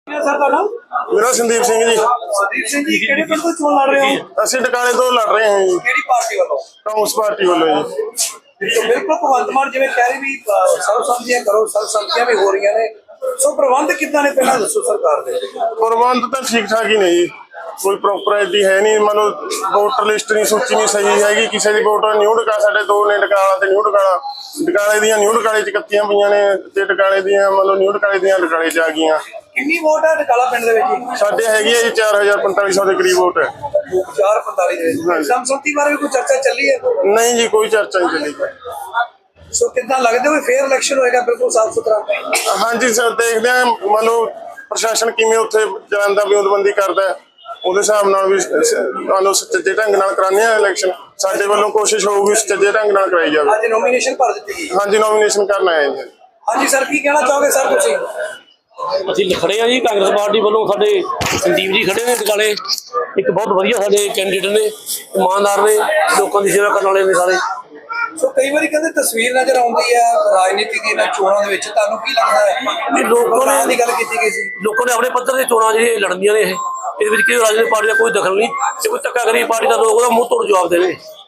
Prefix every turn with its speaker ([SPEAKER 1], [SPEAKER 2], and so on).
[SPEAKER 1] Sir का नाम
[SPEAKER 2] मेरा संदीप सिंह जी।
[SPEAKER 1] संदीप सिंह जी ਕਿਹੜੇ ਪਿੰਡ ਤੋਂ ਚੋਣ ਲੜ ਰਹੇ ਹੋ
[SPEAKER 2] ਅਸੀਂ ਟਿਕਾਣੇ ਤੋਂ ਲੜ ਰਹੇ ਹਾਂ ਜੀ,
[SPEAKER 1] ਕਿਹੜੀ ਪਾਰਟੀ ਵੱਲੋਂ
[SPEAKER 2] ਕਾਂਗਰਸ ਪਾਰਟੀ ਵੱਲੋਂ ਜੀ।
[SPEAKER 1] तो बिल्कुल भगवंत मान जिवें कह रही भी सर्वसम्मतियां करो, सर्वसम्मतियां भी हो रही ने, सो प्रबंध कितना ने पहला दसो सरकार दे।
[SPEAKER 2] ਪ੍ਰਬੰਧ ਤਾਂ ਠੀਕ ਠਾਕ ਹੀ ਨੇ ਜੀ, ਕੋਈ ਪ੍ਰੋਪਰਟੀ ਹੈ ਨਹੀਂ। ਮੰਨ ਲਓ ਵੋਟਰ ਲਿਸਟ ਨਹੀਂ, ਸੂਚੀ ਨਹੀਂ ਸਹੀ ਹੈਗੀ। ਕਿਸੇ ਦੀ ਵੋਟਰ ਨਿਊ ਡਕਾ, ਸਾਡੇ ਦੋ ਨੇ ਡਕਾਲਾ ਤੇ ਨਿਊ ਡਕਾਲਾ। ਡਕਾਲੇ ਦੀਆਂ ਨਿਊ ਡਕਾਲੇ ਚ ਕੱਤੀਆਂ ਪਈਆਂ ਨੇ ਤੇ ਡਕਾਲੇ ਦੀਆਂ ਮੰਨ ਲਓ ਨਿਊ ਡਕਾਲੇ ਦੀਆਂ ਡਕਾਲੇ ਚ ਆ ਗਈਆਂ।
[SPEAKER 1] किन्नी वोट है डकाला पिंड दे विच?
[SPEAKER 2] ਸਾਡੇ ਹੈਗੀ ਹੈ ਜੀ 4500 ਦੇ ਕਰੀਬ ਵੋਟ ਹੈ।
[SPEAKER 1] 445 ਦੇ ਵਿੱਚ ਸੰਸਦੀ ਬਾਰੇ ਵੀ ਕੋਈ ਚਰਚਾ ਚੱਲੀ ਹੈ?
[SPEAKER 2] ਨਹੀਂ ਜੀ, ਕੋਈ ਚਰਚਾ ਨਹੀਂ ਚੱਲੀ।
[SPEAKER 1] ਸੋ ਕਿੱਦਾਂ ਲੱਗਦੇ ਹੋ ਫੇਅਰ ਇਲੈਕਸ਼ਨ ਹੋਏਗਾ ਬਿਲਕੁਲ ਸਾਫ ਸੁਥਰਾ?
[SPEAKER 2] ਹਾਂਜੀ ਸਰ, ਦੇਖਦੇ ਹਾਂ ਮੰਨ ਲਓ ਪ੍ਰਸ਼ਾਸਨ ਕਿਵੇਂ ਉੱਥੇ ਜਾਣ ਦਾ ਵਿਉਂਤਬੰਦੀ ਕਰਦਾ ਹੈ, ਉਹਦੇ ਹਿਸਾਬ ਨਾਲ ਵੀ ਮੰਨ ਲਓ ਸੁਚੱਜੇ ਢੰਗ ਨਾਲ ਕਰਾਉਂਦੇ ਹਾਂ ਇਲੈਕਸ਼ਨ। ਸਾਡੇ ਵੱਲੋਂ ਕੋਸ਼ਿਸ਼ ਹੋਊਗੀ ਸੁਚੱਜੇ ਢੰਗ ਨਾਲ ਕਰਾਈ ਜਾਵੇ।
[SPEAKER 1] ਅੱਜ ਨੋਮੀਨੇਸ਼ਨ ਭਰ ਦਿੱਤੀ ਗਈ?
[SPEAKER 2] ਹਾਂਜੀ, ਨੋਮੀਨੇਸ਼ਨ ਕਰਨ ਆਏ ਜੀ।
[SPEAKER 1] ਹਾਂਜੀ ਸਰ, ਕੀ ਕਹਿਣਾ ਚਾਹੋਗੇ ਸਰ ਤੁਸੀਂ?
[SPEAKER 3] ਅਸੀਂ ਖੜੇ ਆ ਜੀ ਕਾਂਗਰਸ ਪਾਰਟੀ ਵੱਲੋਂ। ਸਾਡੇ ਸੰਦੀਪ ਜੀ ਖੜੇ ਨੇ ਟਕਾਲੇ, ਇੱਕ ਬਹੁਤ ਵਧੀਆ ਸਾਡੇ ਕੈਂਡੀਡੇਟ ਨੇ, ਇਮਾਨਦਾਰ ਨੇ, ਲੋਕਾਂ ਦੀ ਸੇਵਾ ਕਰਨ ਵਾਲੇ ਨੇ ਸਾਰੇ।
[SPEAKER 1] ਸੋ ਕਈ ਵਾਰੀ ਕਹਿੰਦੇ ਤਸਵੀਰ ਨਜ਼ਰ ਆਉਂਦੀ ਹੈ ਰਾਜਨੀਤੀ ਦੀ ਇਹਨਾਂ ਚੋਣਾਂ ਦੇ ਵਿੱਚ, ਤੁਹਾਨੂੰ ਕੀ ਲੱਗਦਾ ਹੈ?
[SPEAKER 3] ਇਹ ਲੋਕਾਂ
[SPEAKER 1] ਦੀ ਗੱਲ ਕੀਤੀ ਗਈ ਸੀ,
[SPEAKER 3] ਲੋਕਾਂ ਨੇ ਆਪਣੇ ਪੱਧਰ ਤੇ ਚੋਣਾਂ ਜਿਹੜੀਆਂ ਲੜਨੀਆਂ ਨੇ, ਇਹਦੇ ਵਿੱਚ ਕੋਈ ਰਾਜਨੀਤਿਕ ਪਾਰਟੀ ਦਾ ਕੋਈ ਦਖਲ ਨਹੀਂ। ਜੇ ਕੋਈ ਧੱਕਾ ਕਰੀ ਪਾਰਟੀ ਦਾ ਲੋਕ ਉਹਦਾ ਮੂੰਹ ਤੋੜ ਜਵਾਬ ਦੇਵੇ।